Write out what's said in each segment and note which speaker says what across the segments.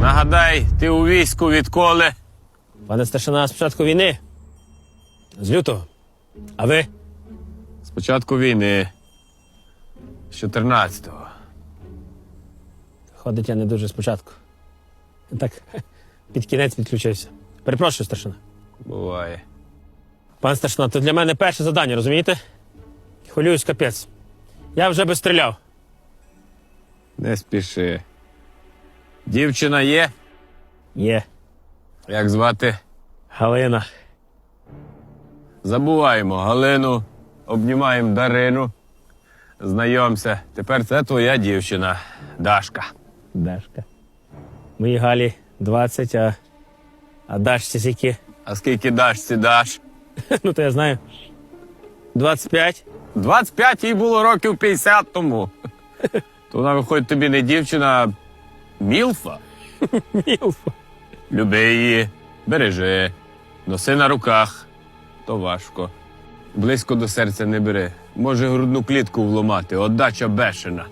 Speaker 1: Нагадай, ти у війську відколи?
Speaker 2: Пане старшина, з початку війни. З лютого. А ви?
Speaker 1: З початку війни. З 14-го.
Speaker 2: Ходить я не дуже спочатку. Так, під кінець підключився. Перепрошую, старшина.
Speaker 1: Буває.
Speaker 2: Пане старшина, то для мене перше завдання, розумієте? Хвилююсь, капець. Я вже би стріляв.
Speaker 1: Не спіши. Дівчина є?
Speaker 2: Є.
Speaker 1: Як звати?
Speaker 2: Галина.
Speaker 1: Забуваємо Галину, обнімаємо Дарину. Знайомся. Тепер це твоя дівчина, Дашка.
Speaker 2: Дашка. Моїй Галі 20, а Дашці скільки?
Speaker 1: А скільки Дашці даш?
Speaker 2: Ну, то я знаю. 25.
Speaker 1: 25 їй було років 50 тому. То вона, виходить, тобі не дівчина, а мілфа.
Speaker 2: Мілфа.
Speaker 1: Люби її, бережи, носи на руках. То важко. Близько до серця не бери. Може грудну клітку вломати, отдача бешена.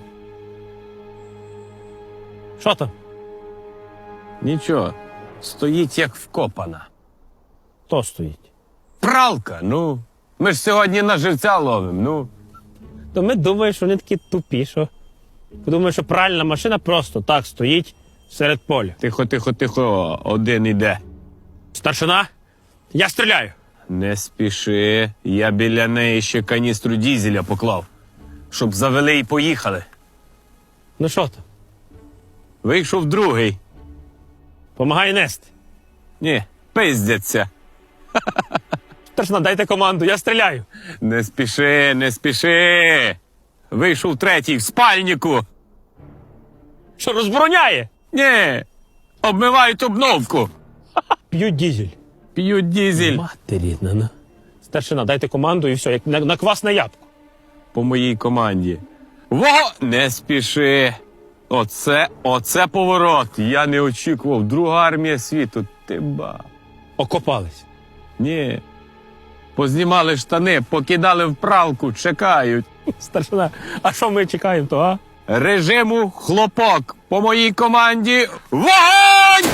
Speaker 2: Що там?
Speaker 1: Нічого, стоїть як вкопана.
Speaker 2: Хто стоїть?
Speaker 1: Пралка, ну. Ми ж сьогодні на живця ловимо, ну.
Speaker 2: То ми думаємо, що вони такі тупі, що... Подумаємо, що пральна машина просто так стоїть серед поля.
Speaker 1: Тихо, тихо, тихо, один іде.
Speaker 2: Старшина, я стріляю.
Speaker 1: Не спіши, я біля неї ще каністру дізеля поклав, щоб завели і поїхали.
Speaker 2: Ну що там?
Speaker 1: Вийшов другий.
Speaker 2: Помагай нести.
Speaker 1: Ні, пиздяться.
Speaker 2: Старшина, дайте команду, я стріляю.
Speaker 1: Не спіши, не спіши. Вийшов третій в спальнику.
Speaker 2: Що, розбороняє?
Speaker 1: Ні, обмивають обновку.
Speaker 2: П'ють дізель.
Speaker 1: П'ють дізель.
Speaker 2: Мати рідна, ну. Старшина, дайте команду і все, як на квасне ябко.
Speaker 1: По моїй команді. Не спіши. Оце поворот. Я не очікував. Друга армія світу. Ти ба.
Speaker 2: Окопались.
Speaker 1: Ні. Познімали штани, покидали в пралку, чекають.
Speaker 2: Старшина, а що ми чекаємо, то, а?
Speaker 1: Режиму хлопок. По моїй команді вогонь!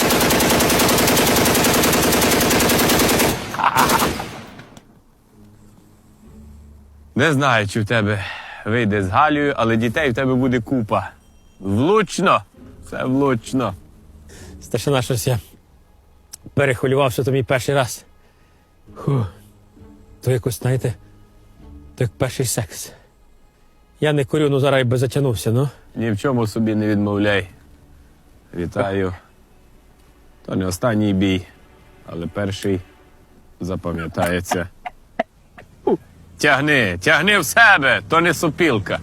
Speaker 1: Не знаю, чи в тебе вийде з Галею, але дітей в тебе буде купа. Влучно. Це влучно.
Speaker 2: Старшина, щось я перехвилювався, то мій перший раз. То якось, знаєте, то як перший секс. Я не курю, ну зараз і би затягнувся, ну.
Speaker 1: Ні в чому собі не відмовляй. Вітаю. То не останній бій, але перший запам'ятається. Тягни в себе, то не сопілка.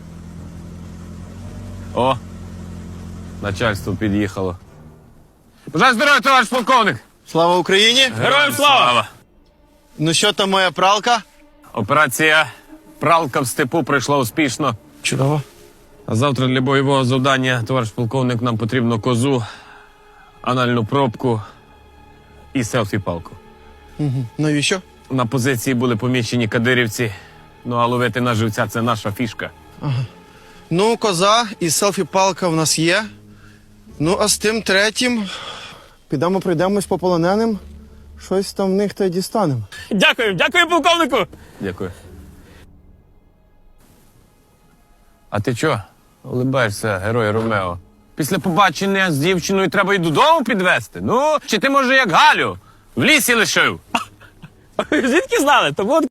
Speaker 1: О, начальство під'їхало. Бажаю здоров'я, товариш полковник!
Speaker 3: Слава Україні!
Speaker 2: Героям слава!
Speaker 3: Ну що там моя пралка?
Speaker 1: Операція «Пралка в степу» пройшла успішно.
Speaker 3: Чудово.
Speaker 1: А завтра для бойового завдання, товариш полковник, нам потрібно козу, анальну пробку і селфі-палку.
Speaker 3: Навіщо?
Speaker 1: На позиції були помічені кадирівці, ну а ловити на живця – це наша фішка.
Speaker 3: Ну, коза і селфі-палка в нас є. Ну, а з тим третім підемо пройдемось по полоненим. Щось там в них та й дістанемо.
Speaker 2: Дякую, полковнику!
Speaker 1: Дякую. А ти чо? Улибаєшся, герой Ромео. Після побачення з дівчиною треба й додому підвезти. Ну, чи ти, може, як Галю, в лісі лишив?
Speaker 2: Звідки знали? То от